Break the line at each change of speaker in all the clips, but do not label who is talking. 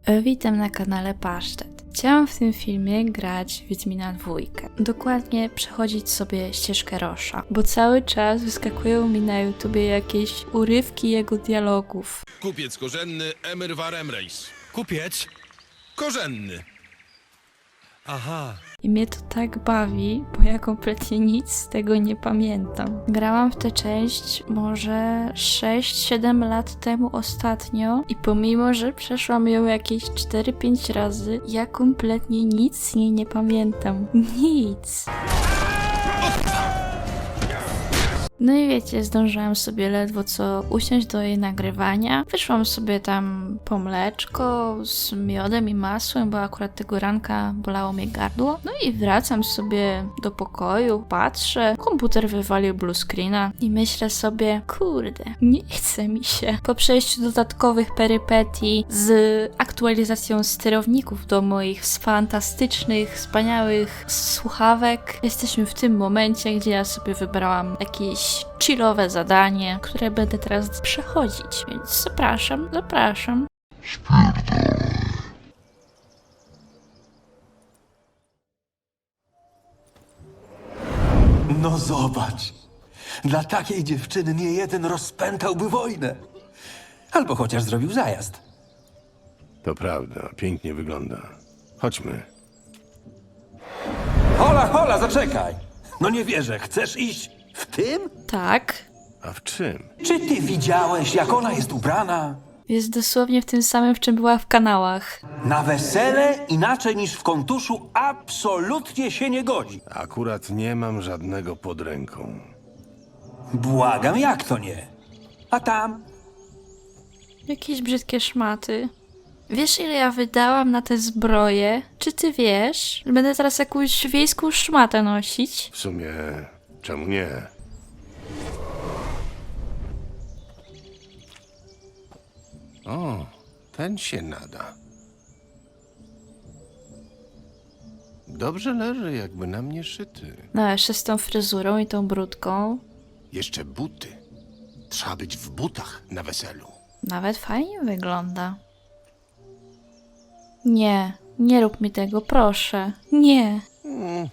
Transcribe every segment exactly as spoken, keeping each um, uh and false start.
E, Witam na kanale Pasztet. Chciałam w tym filmie grać Wiedźmina dwójkę. Dokładnie przechodzić sobie ścieżkę Rosza, bo cały czas wyskakują mi na YouTubie jakieś urywki jego dialogów.
Kupiec korzenny Emir Varemreis.
Kupiec?
Korzenny.
Aha.
I mnie to tak bawi, bo ja kompletnie nic z tego nie pamiętam. Grałam w tę część może sześć siedem lat temu ostatnio i pomimo, że przeszłam ją jakieś cztery pięć razy, ja kompletnie nic z niej nie pamiętam. Nic. No i wiecie, zdążyłam sobie ledwo co usiąść do jej nagrywania. Wyszłam sobie tam po mleczko z miodem i masłem, bo akurat tego ranka bolało mnie gardło. No i wracam sobie do pokoju, patrzę, komputer wywalił blue screena i myślę sobie, kurde, nie chce mi się. Po przejściu dodatkowych perypetii z aktualizacją sterowników do moich fantastycznych, wspaniałych słuchawek, jesteśmy w tym momencie, gdzie ja sobie wybrałam jakieś chillowe zadanie, które będę teraz przechodzić, więc zapraszam, zapraszam.
No zobacz, dla takiej dziewczyny nie jeden rozpętałby wojnę. Albo chociaż zrobił zajazd.
To prawda, pięknie wygląda. Chodźmy.
Hola, hola, zaczekaj! No nie wierzę, chcesz iść w tym?
Tak,
A w czym?
Czy ty widziałeś, jak ona jest ubrana?
jest dosłownie w tym samym, w czym była w kanałach.
Na wesele inaczej niż w kontuszu absolutnie się nie godzi.
Akurat nie mam żadnego pod ręką.
Błagam, jak to nie? A tam?
Jakieś brzydkie szmaty. Wiesz, ile ja wydałam na te zbroje? Czy ty wiesz? Że będę teraz jakąś wiejską szmatę nosić?
W sumie, czemu nie? O, ten się nada. Dobrze leży, jakby na mnie szyty.
No, jeszcze z tą fryzurą i tą brudką.
Jeszcze buty. Trzeba być w butach na weselu.
Nawet fajnie wygląda. Nie, nie rób mi tego, proszę. Nie.
Mm,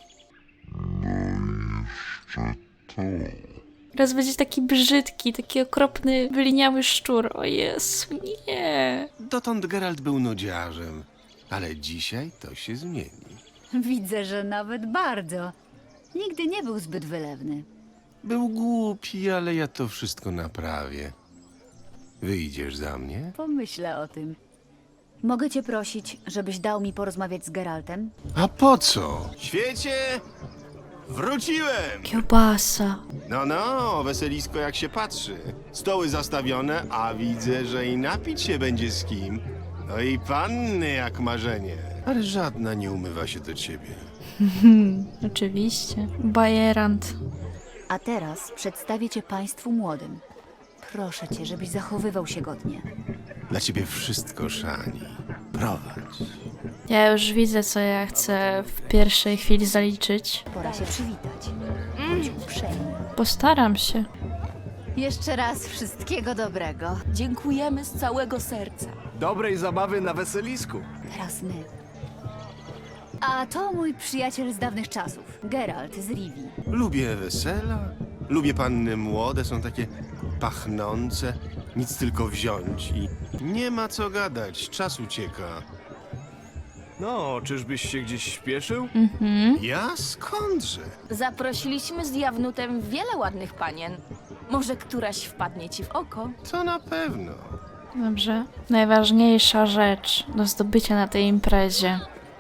Teraz będzie taki brzydki, taki okropny, wyliniały szczur. O Jezu, nie.
dotąd Geralt był nudziarzem, ale dzisiaj to się zmieni.
Widzę, że nawet bardzo. Nigdy nie był zbyt wylewny.
Był głupi, ale ja to wszystko naprawię. Wyjdziesz za mnie?
Pomyślę o tym. Mogę cię prosić, żebyś dał mi porozmawiać z Geraltem?
A po co? Świecie! Wróciłem!
Kiełbasa.
No, no, weselisko jak się patrzy. Stoły zastawione, a widzę, że i napić się będzie z kim. No i panny jak marzenie. Ale żadna nie umywa się do ciebie.
Oczywiście. Bajerant.
A teraz przedstawię cię państwu młodym. Proszę cię, żebyś zachowywał się godnie.
Dla ciebie wszystko, Szani. Prowadź.
Ja już widzę, co ja chcę w pierwszej chwili zaliczyć.
Pora się przywitać. Bądź uprzejmy.
Postaram się.
Jeszcze raz wszystkiego dobrego.
Dziękujemy z całego serca.
Dobrej zabawy na weselisku.
Teraz my. A to mój przyjaciel z dawnych czasów, Geralt z Rivii.
Lubię wesela, lubię panny młode, są takie pachnące, nic tylko wziąć i nie ma co gadać, czas ucieka.
No, czyżbyś się gdzieś śpieszył?
Ja skądże?
Zaprosiliśmy z Jawnutem wiele ładnych panien. Może któraś wpadnie ci w oko?
To na pewno.
Dobrze. Najważniejsza rzecz do zdobycia na tej imprezie.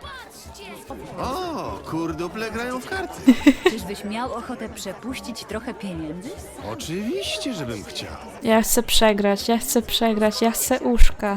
O, kurduple grają w karty.
Czyżbyś miał ochotę przepuścić trochę pieniędzy?
Oczywiście, żebym chciał.
Ja chcę przegrać, ja chcę przegrać, ja chcę uszka.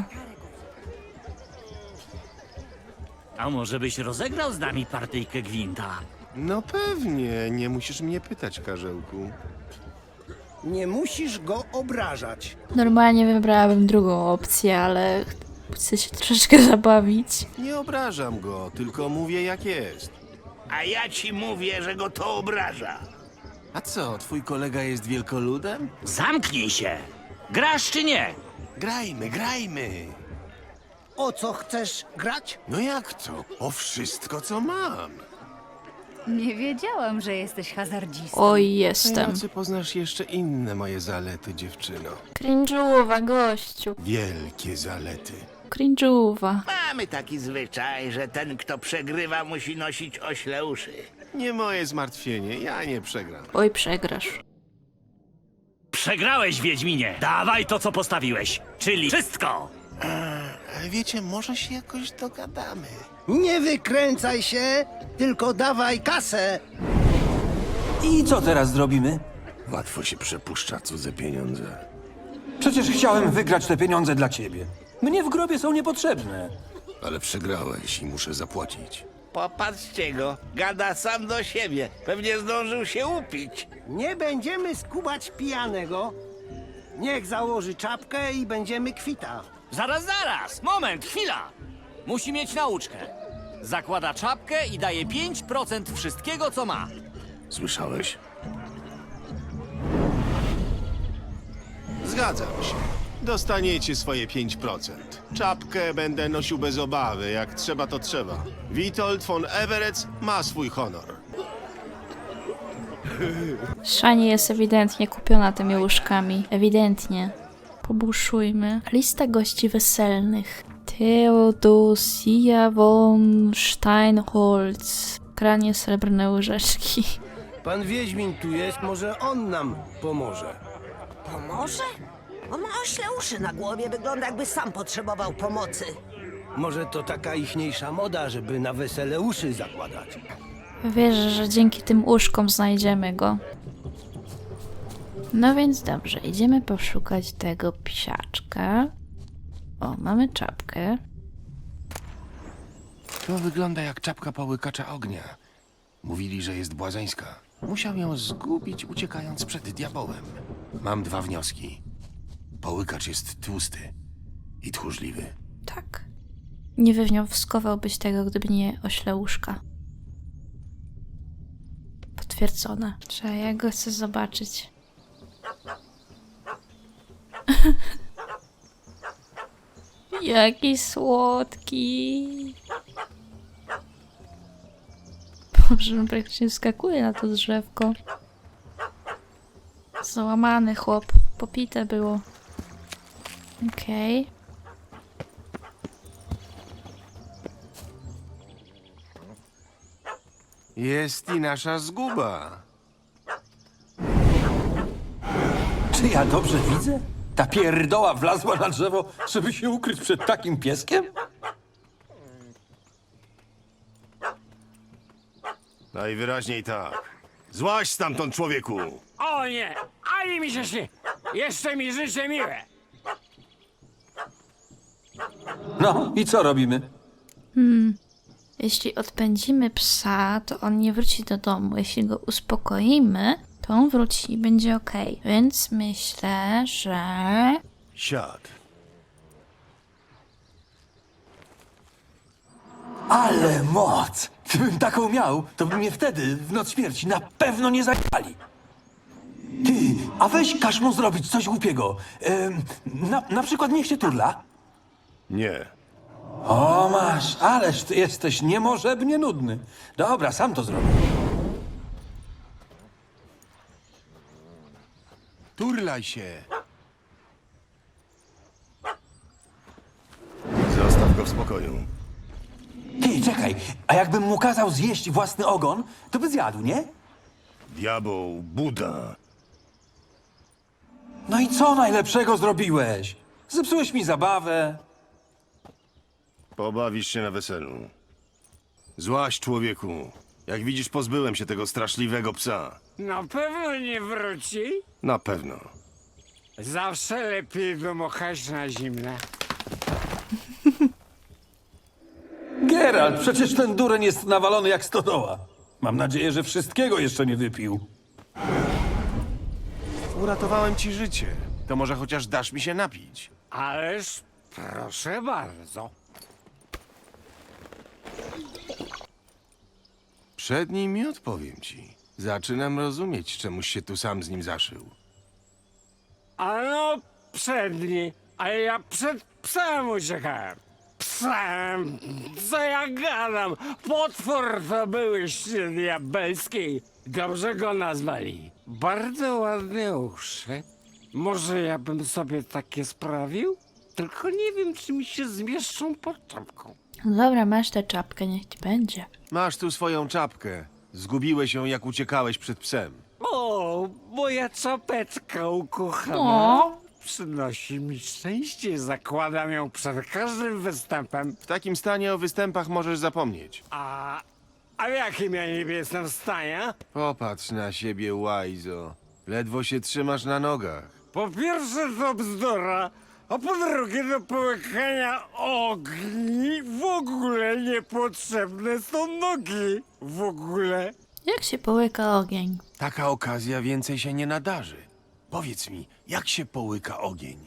A może byś rozegrał z nami partyjkę gwinta?
No pewnie, nie musisz mnie pytać, Karzełku.
Nie musisz go obrażać.
Normalnie wybrałabym drugą opcję, ale chcę się troszeczkę zabawić.
Nie obrażam go, tylko mówię jak jest.
A ja ci mówię, że go to obraża.
A co, twój kolega jest wielkoludem?
Zamknij się! Grasz czy nie?
Grajmy, grajmy.
o co chcesz grać?
No jak to? O wszystko, co mam.
Nie wiedziałam, że jesteś hazardzistą.
Oj,
W tej
jestem.
nocy poznasz jeszcze inne moje zalety, dziewczyno.
Cringe'uwa, gościu.
Wielkie zalety.
Cringe'uwa.
Mamy taki zwyczaj, że ten, kto przegrywa, musi nosić ośle uszy.
Nie moje zmartwienie, ja nie przegram.
Oj, przegrasz.
Przegrałeś, Wiedźminie! Dawaj to, co postawiłeś, czyli wszystko!
Ale wiecie, może się jakoś dogadamy.
Nie wykręcaj się, tylko dawaj kasę.
I co teraz zrobimy?
Łatwo się przepuszcza cudze pieniądze.
Przecież chciałem wygrać te pieniądze dla ciebie. Mnie w grobie są niepotrzebne.
Ale przegrałeś i muszę zapłacić.
Popatrzcie go, gada sam do siebie. Pewnie zdążył się upić.
Nie będziemy skubać pijanego. Niech założy czapkę i będziemy kwita.
Zaraz, zaraz! Moment, chwila! Musi mieć nauczkę. Zakłada czapkę i daje pięć procent wszystkiego, co ma.
Słyszałeś? Zgadzam się. Dostaniecie swoje pięć procent. Czapkę będę nosił bez obawy, jak trzeba to trzeba. Witold von Everec ma swój honor.
Szani jest ewidentnie kupiona tymi łóżkami. Ewidentnie. Pobuszujmy. Lista gości weselnych. Theodosia von Steinholz. Kranie srebrne łyżeczki.
Pan Wiedźmin tu jest, może on nam pomoże.
Pomoże? On ma ośle uszy na głowie, wygląda jakby sam potrzebował pomocy.
Może to taka ichniejsza moda, żeby na wesele uszy zakładać.
Wierzę, że dzięki tym łóżkom znajdziemy go. No więc dobrze, idziemy poszukać tego psiaczka. O, mamy czapkę.
To wygląda jak czapka połykacza ognia. Mówili, że jest błazeńska. Musiał ją zgubić, uciekając przed diabełem. Mam dwa wnioski. Połykacz jest tłusty i tchórzliwy.
Tak. Nie wywnioskowałbyś tego, gdyby nie ośle łóżka. Potwierdzone. Trzeba, ja go chcę zobaczyć. Jaki słodki. Boże, on praktycznie skakuje na to drzewko. Załamany chłop. Popite było. Okej. Okay.
Jest i nasza zguba.
Czy ja dobrze widzę? Ta pierdoła wlazła na drzewo, żeby się ukryć przed takim pieskiem?
Najwyraźniej tak. Złaź stamtąd, człowieku!
O nie! Ani mi się śni! Jeszcze mi życie miłe!
No i co robimy?
Jeśli odpędzimy psa, to on nie wróci do domu. Jeśli go uspokoimy, to on wróci i będzie okej. Więc myślę, że...
Siad.
Ale moc! Gdybym taką miał, to by mnie wtedy, w noc śmierci, na pewno nie zajęli. Ty, a weź każ mu zrobić coś głupiego. Ym, na, na przykład niech się turla.
Nie.
O, masz, ależ ty jesteś niemożebnie nudny. Dobra, sam to zrobię.
Turlaj się. Zostaw go w spokoju.
Ty, czekaj, a jakbym mu kazał zjeść własny ogon, to by zjadł, nie?
Diabeł, Buda.
No i co najlepszego zrobiłeś? Zepsułeś mi zabawę.
Pobawisz się na weselu. Złaś, człowieku. Jak widzisz, pozbyłem się tego straszliwego psa.
Na pewno nie wróci.
Na pewno.
Zawsze lepiej dmuchać na zimne.
Geralt, przecież ten dureń jest nawalony jak stodoła. Mam nadzieję, że wszystkiego jeszcze nie wypił.
Uratowałem ci życie. To może chociaż dasz mi się napić.
Ależ proszę bardzo.
Przed nim i odpowiem ci. Zaczynam rozumieć, czemuś się tu sam z nim zaszył.
Ano przedni, a ja przed psem uciekałem. Ps
Sam, co ja gadam? Potwór to byłyście diabelskiej. Dobrze go nazwali. Bardzo ładne uszy. Może ja bym sobie takie sprawił? Tylko nie wiem, czy mi się zmieszczą pod czapką.
No dobra, masz tę czapkę, niech ci będzie.
Masz tu swoją czapkę. Zgubiłeś ją, jak uciekałeś przed psem.
O, moja czapeczka ukochana.
O.
Przynosi mi szczęście, zakładam ją przed każdym występem.
W takim stanie o występach możesz zapomnieć.
A, a w jakim ja niby jestem w stanie?
Popatrz na siebie, łajzo. Ledwo się trzymasz na nogach.
Po pierwsze to bzdura, a po drugie do połykania ogni w ogóle niepotrzebne są nogi. W ogóle.
Jak się połyka ogień?
Taka okazja więcej się nie nadarzy. Powiedz mi, jak się połyka ogień?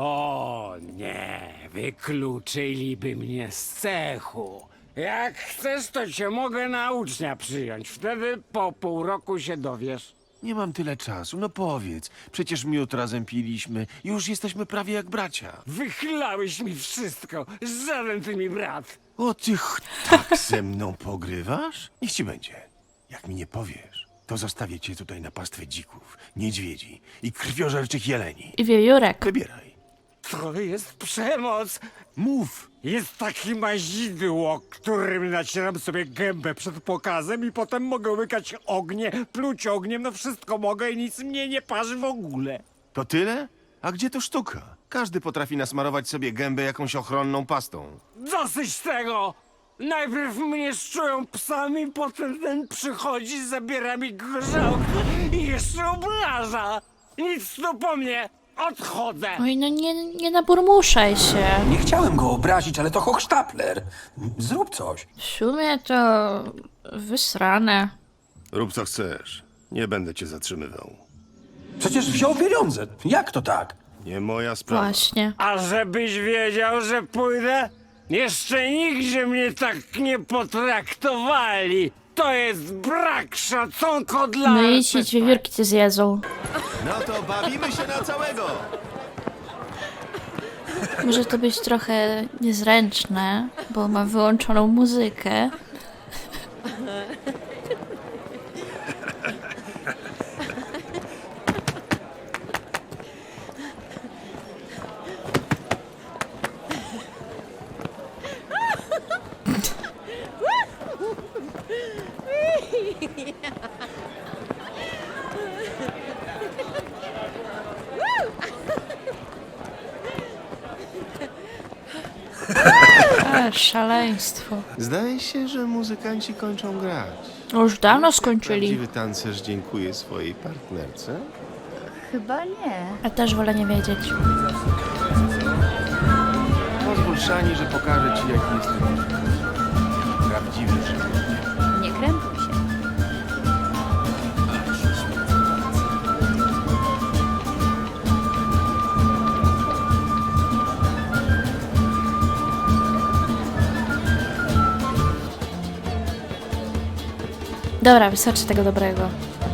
O nie, wykluczyliby mnie z cechu. Jak chcesz, to cię mogę na ucznia przyjąć. Wtedy po pół roku się dowiesz.
Nie mam tyle czasu, no powiedz. Przecież miód razem piliśmy. Już jesteśmy prawie jak bracia.
Wychlałeś mi wszystko. Żaden ty mi brat.
O, ty ch- tak ze mną pogrywasz? Niech ci będzie. Jak mi nie powiesz, to zostawię cię tutaj na pastwę dzików, niedźwiedzi i krwiożerczych jeleni.
I wiewiórek.
Wybieraj.
To jest przemoc.
Mów.
Jest takie mazidło, którym nacieram sobie gębę przed pokazem i potem mogę łykać ognie, pluć ogniem, no wszystko mogę i nic mnie nie parzy w ogóle.
To tyle? A gdzie to sztuka? Każdy potrafi nasmarować sobie gębę jakąś ochronną pastą.
Dosyć tego! Najpierw mnie szczują psami, potem ten przychodzi, zabiera mi gorzałkę i jeszcze obraża. Nic tu po mnie, odchodzę.
Oj, no nie, nie naburmuszaj się.
Nie chciałem go obrazić, ale to hochsztapler. Zrób coś.
W sumie to wysrane.
Rób co chcesz. Nie będę cię zatrzymywał.
Przecież wziął pieniądze. Jak to tak?
Nie moja sprawa.
Właśnie.
A żebyś wiedział, że pójdę? Jeszcze nigdzie mnie tak nie potraktowali. To jest brak szacunku dla...
No i ci wiewiórki cię zjedzą.
No to bawimy się na całego!
Może to być trochę niezręczne, bo ma wyłączoną muzykę. A, szaleństwo.
Zdaje się, że muzykanci kończą grać.
Już dawno skończyli.
Prawdziwy tancerz dziękuję swojej partnerce.
Chyba nie.
Ja też wolę nie wiedzieć.
Pozwól, Szani, że pokażę ci, jaki jestem prawdziwy żywy.
Nie krępuj się.
Dobra, wystarczy tego dobrego.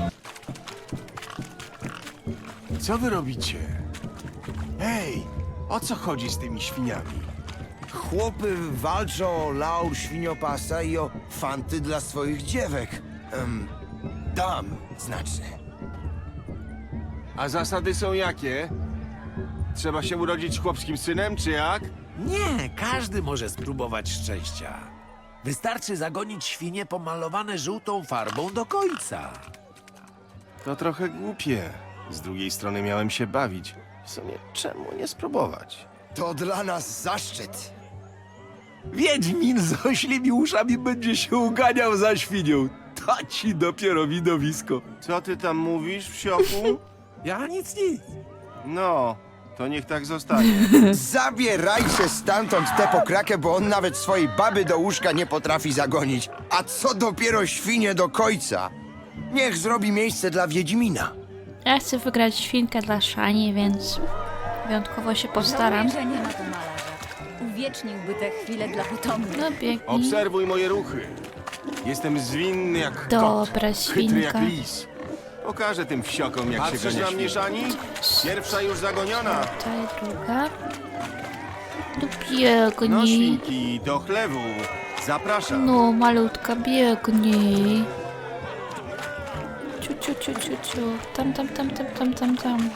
Co wy robicie? Hej, o co chodzi z tymi świniami?
Chłopy walczą o laur świniopasa i o fanty dla swoich dziewek. Em, dam, znaczy.
A zasady są jakie? Trzeba się urodzić chłopskim synem, czy jak?
Nie, każdy może spróbować szczęścia. Wystarczy zagonić świnie pomalowane żółtą farbą do końca.
To trochę głupie. Z drugiej strony miałem się bawić. W sumie czemu nie spróbować?
To dla nas zaszczyt.
Wiedźmin z oślimi uszami będzie się uganiał za świnią. To ci dopiero widowisko.
Co ty tam mówisz, wsioku?
Ja nic, nic.
No, to niech tak zostanie.
Zabierajcie stamtąd tę pokrakę, bo on nawet swojej baby do łóżka nie potrafi zagonić. A co dopiero świnie do końca? Niech zrobi miejsce dla Wiedźmina.
Ja chcę wygrać świnkę dla Szani, więc wyjątkowo się postaram.
Żałuję, że nie ma tu malarza. Uwieczniłby te chwile dla potomnych.
No biegnij.
Obserwuj moje ruchy. Jestem zwinny jak
Dobra,
kot, chytry jak
świnka.
lis. Pokażę tym wsiokom, jak się gania świnki. Pierwsza już zagoniona.
Tutaj druga. Dupi. biegnij.
No świnki, do chlewu. Zapraszam.
No, malutka, biegnij. Ciu, ciu, ciu, ciu, ciu. Tam, tam, tam, tam, tam, tam, tam.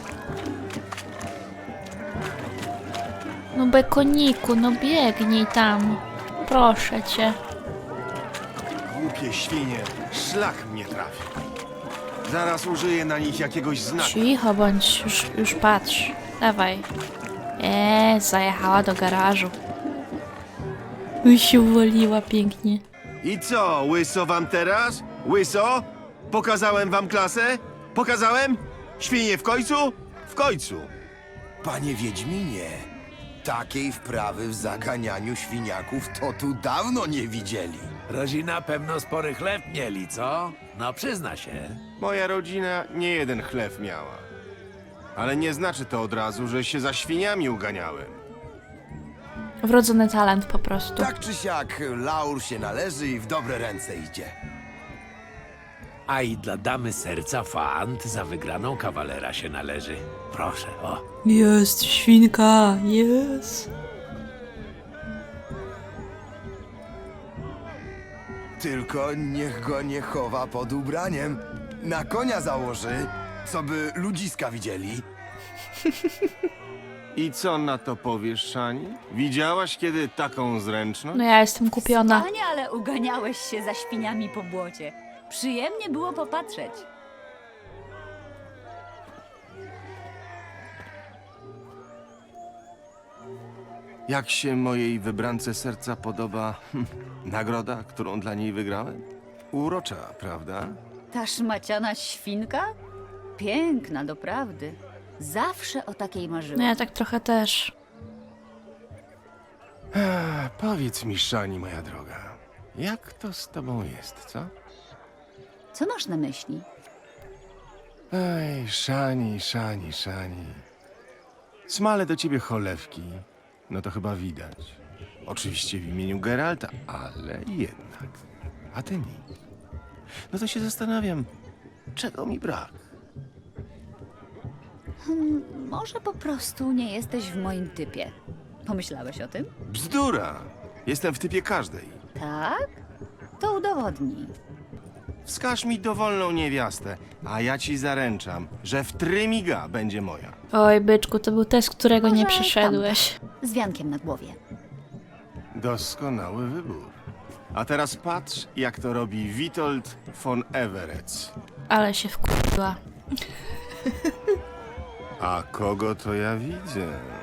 No, bekoniku, no biegnij tam. Proszę cię.
Głupie świnie, szlak mnie trafi. Zaraz użyję na nich jakiegoś znaku.
Cicho bądź, już, już patrz. Dawaj. Eee, zajechała do garażu. Uj, się uwoliła pięknie.
I co, łyso wam teraz? Łyso? Pokazałem wam klasę? Pokazałem? Świnie w końcu? W końcu.
Panie Wiedźminie, takiej wprawy w zaganianiu świniaków to tu dawno nie widzieli.
Rodzina pewno spory chleb mieli, co? No przyzna się.
Moja rodzina nie jeden chlew miała. Ale nie znaczy to od razu, że się za świniami uganiałem.
Wrodzony talent po prostu.
Tak czy siak, laur się należy i w dobre ręce idzie.
A i dla damy serca fant za wygraną kawalera się należy. Proszę, o.
Jest, świnka, jest.
Tylko niech go nie chowa pod ubraniem. Na konia założy, co by ludziska widzieli.
I co na to powiesz, Szani? Widziałaś kiedy taką zręczność?
No ja jestem kupiona.
Panie, ale uganiałeś się za świniami po błocie. Przyjemnie było popatrzeć.
Jak się mojej wybrance serca podoba hm, nagroda, którą dla niej wygrałem? Urocza, prawda?
Ta szmaciana świnka? Piękna, doprawdy. Zawsze o takiej
No
marzyłam.
ja tak trochę też.
Ech, powiedz mi, Szani, moja droga, jak to z tobą jest, co?
Co masz na myśli?
Ej, Szani, Szani, Szani. Smale do ciebie cholewki, no to chyba widać. Oczywiście w imieniu Geralta, ale jednak. A ty nic. No to się zastanawiam, czego mi brak?
Hmm, może po prostu nie jesteś w moim typie. Pomyślałeś o tym?
Bzdura! Jestem w typie każdej.
Tak? To udowodnij.
Wskaż mi dowolną niewiastę, a ja ci zaręczam, że w trymiga będzie moja.
Oj, byczku, to był test, którego nie
Może
przeszedłeś.
Z wiankiem na głowie.
Doskonały wybór. A teraz patrz, jak to robi Witold von Everec.
Ale się wkurzyła.
A kogo to ja widzę?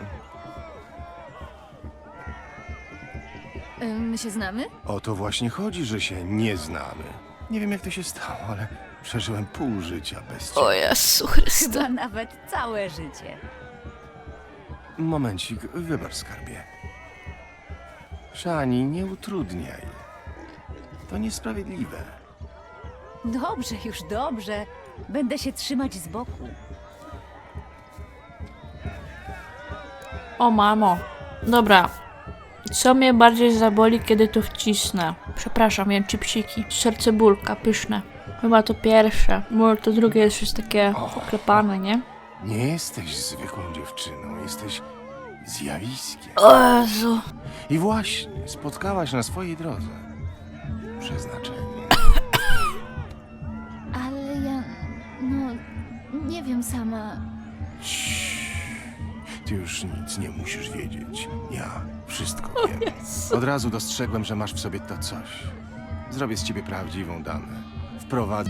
My się znamy?
O to właśnie chodzi, że się nie znamy. Nie wiem, jak to się stało, ale przeżyłem pół życia bez ciebie.
O Jezu Chryste.
Chyba nawet całe życie.
Momencik, wybacz, skarbie. Szani, nie utrudniaj. To niesprawiedliwe.
Dobrze, już dobrze. Będę się trzymać z boku.
O mamo. Dobra. Co mnie bardziej zaboli, kiedy to wcisnę? Przepraszam, jem chipsiki. Serce bólka, pyszne. Chyba to pierwsze. Może to drugie jest już takie oklepane, nie?
Nie jesteś zwykłą dziewczyną, jesteś zjawiskiem.
O Jezu.
I właśnie spotkałaś na swojej drodze przeznaczenie.
Ale ja... no... nie wiem sama.
Ty już nic nie musisz wiedzieć. Ja wszystko wiem. Od razu dostrzegłem, że masz w sobie to coś. Zrobię z ciebie prawdziwą damę. Wprowadzę...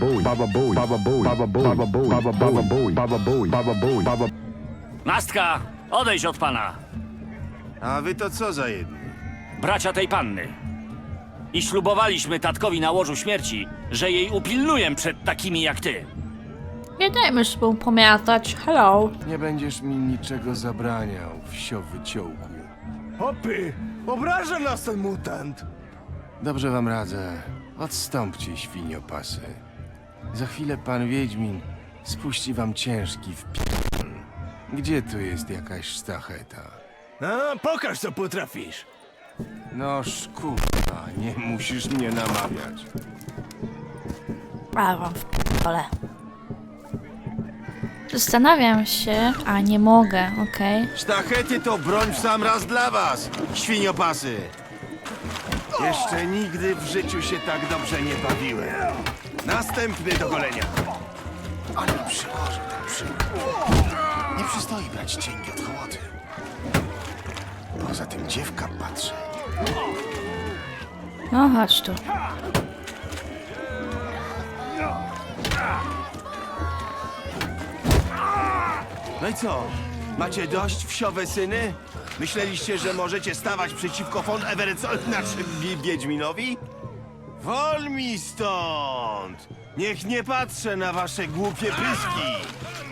Nastka, odejdź od pana.
A wy to co za jedni?
Bracia tej panny. I ślubowaliśmy tatkowi na łożu śmierci, że jej upilnuję przed takimi jak ty.
Nie dajmy sobie pomiatać. Hello.
Nie będziesz mi niczego zabraniał, wsio wyciołku.
Hopy! Obraża nas ten mutant!
Dobrze wam radzę. Odstąpcie, świniopasy. Za chwilę pan Wiedźmin spuści wam ciężki wpi***l. Gdzie tu jest jakaś sztacheta?
A, pokaż co potrafisz!
No szkurwa, nie musisz mnie namawiać.
A wam w p***ole. Zastanawiam się, a nie mogę, okej.
Sztachety to broń w sam raz dla was, świniopasy. Jeszcze nigdy w życiu się tak dobrze nie bawiłem. Następny do golenia. Ale przyłożę ten przyłód. Nie przystoi brać cienki od hołoty. Poza tym dziewka patrzy.
No chodź tu.
No i co? Macie dość, wsiowe syny? Myśleliście, że możecie stawać przeciwko von Everetsowi, znaczy Wi- Wiedźminowi? Wol mi stąd! Niech nie patrzę na wasze głupie pyski!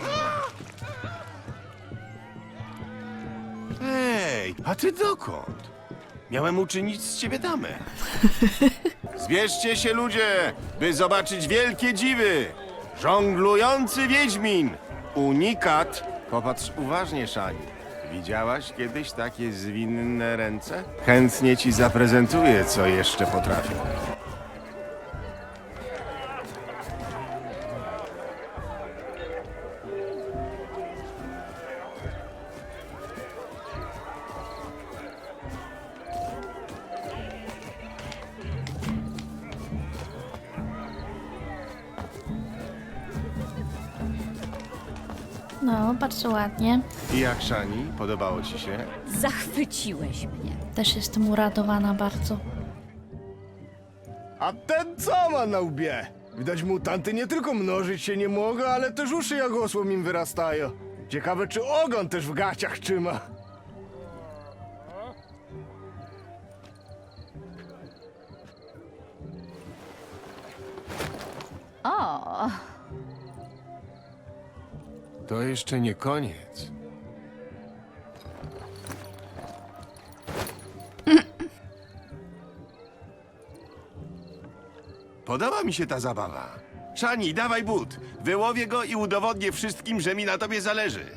Ej, a ty dokąd? Miałem uczynić z ciebie damę. Zbierzcie się, ludzie, by zobaczyć wielkie dziwy! Żonglujący Wiedźmin! Unikat! Popatrz uważnie, Szani. Widziałaś kiedyś takie zwinne ręce? Chętnie ci zaprezentuję, co jeszcze potrafię.
No, bardzo ładnie.
I jak, Szani? Podobało ci się?
Zachwyciłeś mnie.
Też jestem uradowana bardzo.
A ten co ma na łbie? Widać, mutanty nie tylko mnożyć się nie mogą, ale też uszy jak osłom im wyrastają. Ciekawe, czy ogon też w gaciach trzyma.
O,
To jeszcze nie koniec. Podoba mi się ta zabawa. Szani, dawaj but. Wyłowię go i udowodnię wszystkim, że mi na tobie zależy.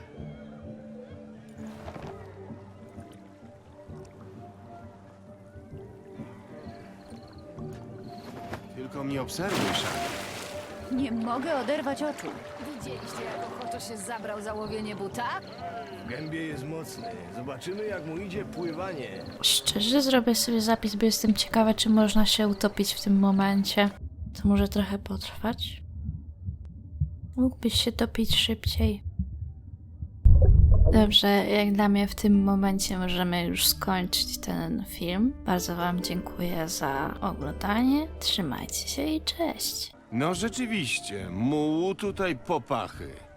Tylko mnie obserwuj, Szani.
nie mogę oderwać oczu. Widzieliście, jak ochoczo się zabrał za łowienie buta?
W gębie jest mocny. Zobaczymy, jak mu idzie pływanie.
Szczerze zrobię sobie zapis, bo jestem ciekawa, czy można się utopić w tym momencie. To może trochę potrwać. Mógłbyś się topić szybciej. Dobrze, jak dla mnie w tym momencie możemy już skończyć ten film. Bardzo wam dziękuję za oglądanie. Trzymajcie się i cześć.
No rzeczywiście, mułu tutaj popachy.